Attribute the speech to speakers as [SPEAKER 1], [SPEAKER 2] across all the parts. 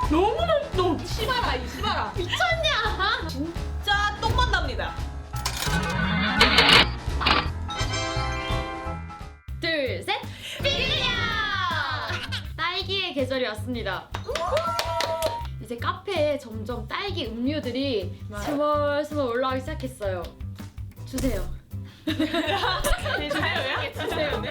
[SPEAKER 1] 너무 맛있어. 시바라 이 시바라.
[SPEAKER 2] 미쳤냐?
[SPEAKER 1] 진짜 똥맛 납니다.
[SPEAKER 2] 둘, 셋. 비리야! 딸기의 계절이 왔습니다. 이제 카페에 점점 딸기 음료들이 스멀스멀 올라오기 시작했어요. 주세요.
[SPEAKER 1] 주세요.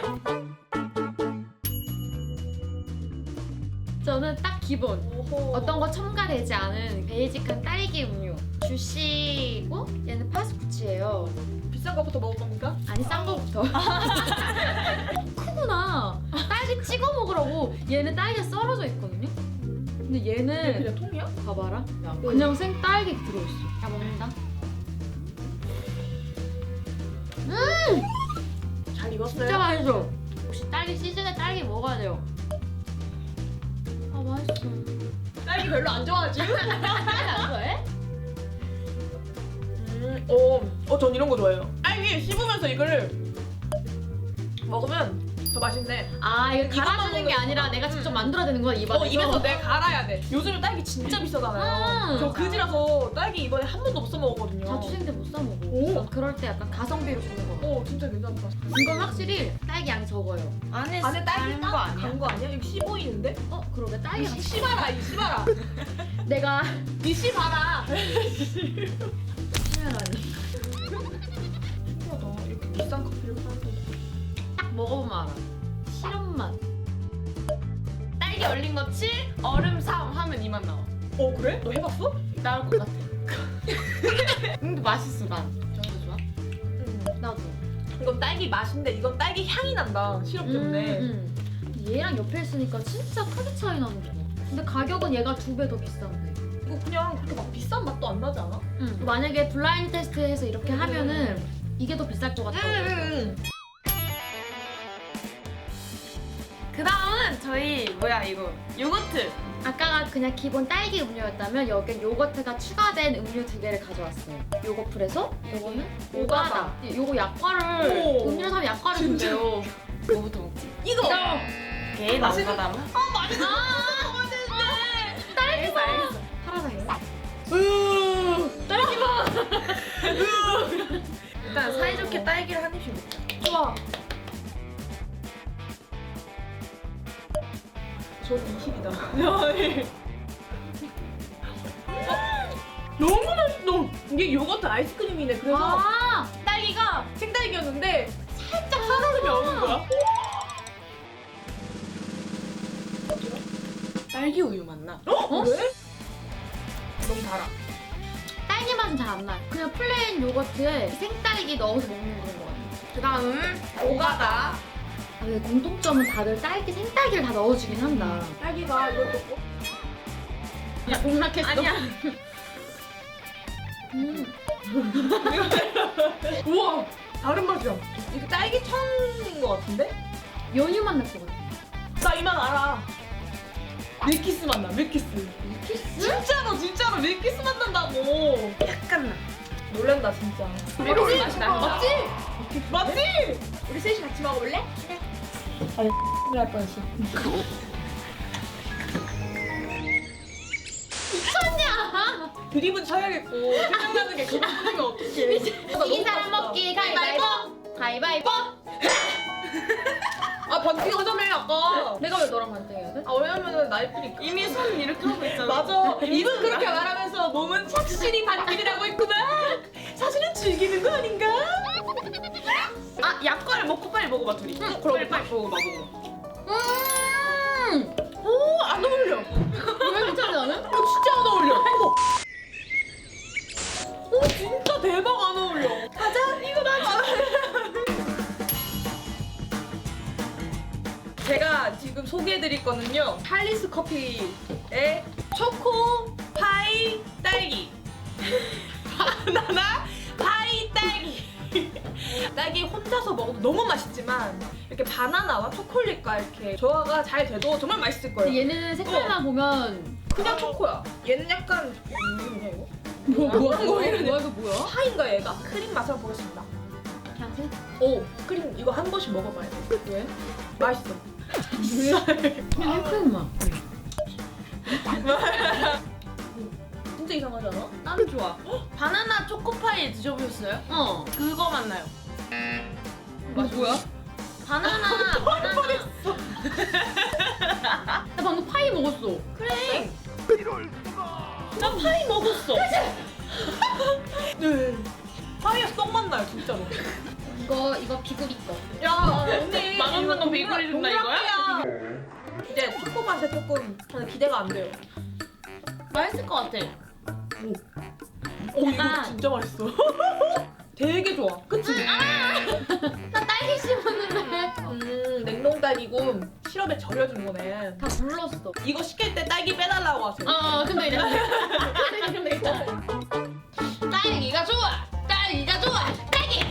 [SPEAKER 2] 저는 딱 기본.
[SPEAKER 1] 오호.
[SPEAKER 2] 어떤 거 첨가되지 않은 베이직한 딸기 음료 주시고 얘는 파스쿠치예요.
[SPEAKER 1] 비싼 거부터 먹을 겁니까?
[SPEAKER 2] 아니 싼 거부터. 크구나. 딸기 찍어 먹으라고. 얘는 딸기가 썰어져 있거든요. 근데
[SPEAKER 1] 이게
[SPEAKER 2] 얘는
[SPEAKER 1] 그냥 통이야?
[SPEAKER 2] 봐봐라. 그냥 생 딸기 들어있어. 야 먹는다.
[SPEAKER 1] 잘 익었어요?
[SPEAKER 2] 진짜 맛있어. 혹시 딸기 시즌에 딸기 먹어야 돼요. 아 맛있어.
[SPEAKER 1] 딸기 별로 안 좋아하지?
[SPEAKER 2] 딸기 안 좋아해?
[SPEAKER 1] 전 이런 거 좋아해요. 딸기 씹으면서 이거를 먹으면 더 맛있네.
[SPEAKER 2] 아 이거
[SPEAKER 1] 이것만
[SPEAKER 2] 갈아주는 게
[SPEAKER 1] 먹는
[SPEAKER 2] 아니라
[SPEAKER 1] 거구나.
[SPEAKER 2] 내가 직접 만들어내는 거야 입안에서.
[SPEAKER 1] 입에서 내가 갈아야 돼. 요즘에 딸기 진짜 비싸잖아요. 저 그지라서 딸기 이번에 한 번도 못 사 먹었거든요.
[SPEAKER 2] 자취생 때 못 사 먹어.
[SPEAKER 1] 오.
[SPEAKER 2] 그럴 때 약간 가성비로 주는 거.
[SPEAKER 1] 진짜 괜찮다.
[SPEAKER 2] 이건 확실히 딸기 양이 적어요.
[SPEAKER 1] 안에 딸기 거 아니야? 간거 아니야? 이거 씨 보이는데?
[SPEAKER 2] 그러게 딸기가
[SPEAKER 1] 씨봐라 이 씨봐라.
[SPEAKER 2] 내가
[SPEAKER 1] 이 씨봐라.
[SPEAKER 2] 신기하다니.
[SPEAKER 1] 신기하다. 이렇게 비싼 커피를 파는
[SPEAKER 2] 딱 먹어보면 알아. 시럽 맛.
[SPEAKER 3] 딸기 얼린 거 7, 얼음 3 하면 이 맛 나와.
[SPEAKER 1] 그래? 너 해봤어?
[SPEAKER 3] 나올 것 같아. 근데 맛있어 난. 정도 좋아?
[SPEAKER 2] 나도.
[SPEAKER 1] 이건 딸기 맛인데 이건 딸기 향이 난다. 시럽 때문에.
[SPEAKER 2] 근데 얘랑 옆에 있으니까 진짜 크게 차이 나는 거야. 근데 가격은 얘가 2배 더 비싼데.
[SPEAKER 1] 이거 그냥 그렇게 막 비싼 맛도 안 나지 않아?
[SPEAKER 2] 만약에 블라인드 테스트해서 이렇게 하면은 이게 더 비쌀 것 같다고.
[SPEAKER 3] 그 다음은 저희 뭐야 이거 요거트.
[SPEAKER 2] 아까가 그냥 기본 딸기 음료였다면 여긴 요거트가 추가된 음료 2개를 가져왔어요. 요거풀에서 요거는 오가다. 요거 약과를
[SPEAKER 1] 오.
[SPEAKER 2] 음료를 사면 약과를
[SPEAKER 1] 진짜?
[SPEAKER 2] 준대요.
[SPEAKER 3] 뭐부터 먹지?
[SPEAKER 1] 이거!
[SPEAKER 3] 오케이
[SPEAKER 1] 맛있는-
[SPEAKER 3] 나오가다.
[SPEAKER 1] 맛있어!
[SPEAKER 3] 알겠어 알겠어.
[SPEAKER 2] 파라다이스.
[SPEAKER 3] 일단 사이좋게 딸기를 한 입씩 먹자.
[SPEAKER 2] 좋아.
[SPEAKER 1] 저는 20이다. 너무 맛있어! 이게 요거트 아이스크림이네. 그래서 딸기가 생딸기였는데 살짝 사다름이 오는 거야.
[SPEAKER 3] 딸기 우유 맛 나.
[SPEAKER 1] 왜? 너무 달아.
[SPEAKER 2] 딸기 맛은 잘 안 나요. 그냥 플레인 요거트에 생딸기 넣어서 먹는 그런 거 같아요.
[SPEAKER 3] 그 다음 오가다.
[SPEAKER 2] 근데 공통점은 다들 딸기 생딸기를 다 넣어주긴 한다.
[SPEAKER 1] 딸기가 이것도
[SPEAKER 2] 야 공락했어.
[SPEAKER 3] 아니야.
[SPEAKER 1] 우와! 다른 맛이야. 이게 딸기 청인 것 같은데?
[SPEAKER 2] 연유 맛 날 것 같아.
[SPEAKER 1] 나 이 맛 알아. 밀키스 맛 나, 밀키스.
[SPEAKER 2] 키스?
[SPEAKER 1] 진짜로 밀키스 맛 난다고.
[SPEAKER 3] 약간 나.
[SPEAKER 1] 놀란다, 진짜.
[SPEAKER 3] 메론 맛이 나.
[SPEAKER 1] 맞지? 맞지? 우리 셋이 같이 먹어볼래? 그래. 아니, 할 뻔했어.
[SPEAKER 2] 미쳤냐?
[SPEAKER 1] 드립은 쳐야겠고 생각나는 게 그것뿐이면 어떡해.
[SPEAKER 2] 이 사람 먹기 가위바위보. 가위바위보.
[SPEAKER 1] 반띵 하자며 아까.
[SPEAKER 2] 내가 왜 너랑 반대해야 돼?
[SPEAKER 1] 왜냐면은 나이프니까.
[SPEAKER 3] 이미 손 이렇게 하고 있잖아.
[SPEAKER 1] 맞아. 입은 그렇게 말하면서 몸은 착실히 반띵을 하고 있구나. 사실은 즐기는 거 아닌가?
[SPEAKER 3] 아 약과를 먹고 빨리 먹어봐 둘이.
[SPEAKER 1] 그럼
[SPEAKER 3] 빨리 먹어봐.
[SPEAKER 1] 오, 안 어울려.
[SPEAKER 2] 왜 괜찮지 나는?
[SPEAKER 1] 진짜 안 어울려. 오, 진짜 대박 안 어울려. 가자. 이거 나 제가 지금 소개해드릴 거는요. 할리스 커피의 초코 파이 딸기. 바나나 파이 딸기. 딸기 혼자서 먹어도 너무 맛있지만 이렇게 바나나와 초콜릿과 이렇게 조화가 잘 돼도 정말 맛있을 거예요.
[SPEAKER 2] 근데 얘는 색깔만 보면
[SPEAKER 1] 그냥 초코야. 얘는 약간 뭐냐 이거?
[SPEAKER 2] 뭐야
[SPEAKER 1] 이거
[SPEAKER 2] 이거 뭐야?
[SPEAKER 1] 파인가 얘가? 크림 맛을 보겠습니다.
[SPEAKER 2] 그냥 색?
[SPEAKER 1] 오 크림 이거 한 번씩 먹어봐야 돼. 왜? 맛있어.
[SPEAKER 2] 그냥 생 맛.
[SPEAKER 1] 진짜 이상하지 않아?
[SPEAKER 3] 나는 좋아. 바나나 초코파이 드셔보셨어요?
[SPEAKER 2] 어.
[SPEAKER 3] 그거 맞나요?
[SPEAKER 1] 맛이 뭐야?
[SPEAKER 2] 바나나. 나 방금 파이 먹었어.
[SPEAKER 3] 그래. 나 파이 먹었어.
[SPEAKER 1] 네. 파이에서 떡 맛나요 진짜로.
[SPEAKER 2] 이거 비구리 거.
[SPEAKER 1] 야 언니
[SPEAKER 3] 맛없는 거 비구리 준다, 이거야?
[SPEAKER 1] 이제 초코 맛에 조금 저는 기대가 안 돼요.
[SPEAKER 3] 맛있을 것 같아.
[SPEAKER 1] 오 이거
[SPEAKER 2] 약간-
[SPEAKER 1] 진짜 맛있어. 되게 좋아. 그치?
[SPEAKER 2] 나 딸기 씹었는데
[SPEAKER 1] 냉동 딸기고 시럽에 절여준 거네.
[SPEAKER 2] 다 불렀어.
[SPEAKER 1] 이거 시킬 때 딸기 빼달라고 하세요.
[SPEAKER 2] 근데 이제 근데 있잖아. 딸기가 좋아. 딸기가 좋아. 딸기.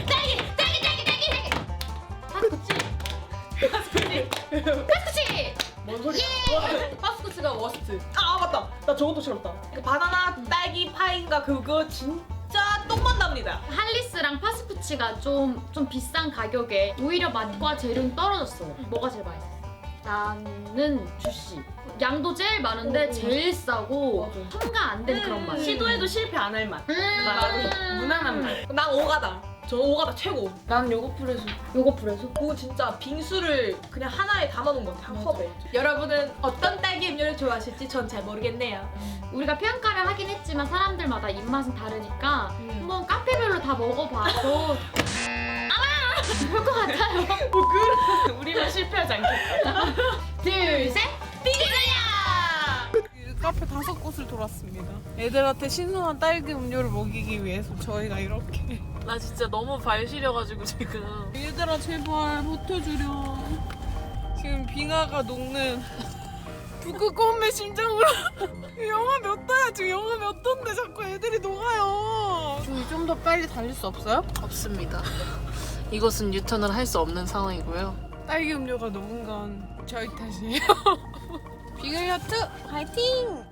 [SPEAKER 2] 파스쿠치. 파스쿠치.
[SPEAKER 1] 뭔 소리야? 파스쿠치가 워스트. 아 맞다. 나 저것도 싫었다. 그 바나나 딸기 파인가 그거 진짜 똥맛 납니다.
[SPEAKER 2] 할리스랑 파스쿠치가 좀 비싼 가격에 오히려 맛과 재료는 떨어졌어. 뭐가 제일 맛있어? 나는 주시. 양도 제일 많은데 제일 싸고
[SPEAKER 1] 맞아.
[SPEAKER 2] 첨가 안 된 그런 맛.
[SPEAKER 3] 시도해도 실패 안 할 맛. 무난한 맛.
[SPEAKER 1] 난 오가다. 저는 오가다 최고.
[SPEAKER 3] 난 요거풀에서.
[SPEAKER 2] 요거 불에서?
[SPEAKER 1] 그거 진짜 빙수를 그냥 하나에 담아놓은 것 같아. 한 컵에. 여러분은 어떤 딸기 음료를 좋아하실지 전 잘 모르겠네요.
[SPEAKER 2] 우리가 평가를 하긴 했지만 사람들마다 입맛은 다르니까 한번 카페별로 다 먹어봐도 아마 그럴 것 같아요.
[SPEAKER 3] 우리만 실패하지 않겠다.
[SPEAKER 2] 둘, 셋, 삐리야!
[SPEAKER 4] 카페 5곳을 돌았습니다. 애들한테 신선한 딸기 음료를 먹이기 위해서 저희가 이렇게.
[SPEAKER 3] 나 진짜 너무 발 시려가지고 지금.
[SPEAKER 4] 얘들아 제발 버텨주려. 지금 빙하가 녹는 북극곰의 심장으로. 영하 몇 도야? 지금 영하 몇 도인데 자꾸 애들이 녹아요. 저희 좀 더 빨리 달릴 수 없어요?
[SPEAKER 5] 없습니다. 이것은 유턴을 할 수 없는 상황이고요.
[SPEAKER 4] 딸기 음료가 녹은 건 저희 탓이에요. 빙하야트 화이팅!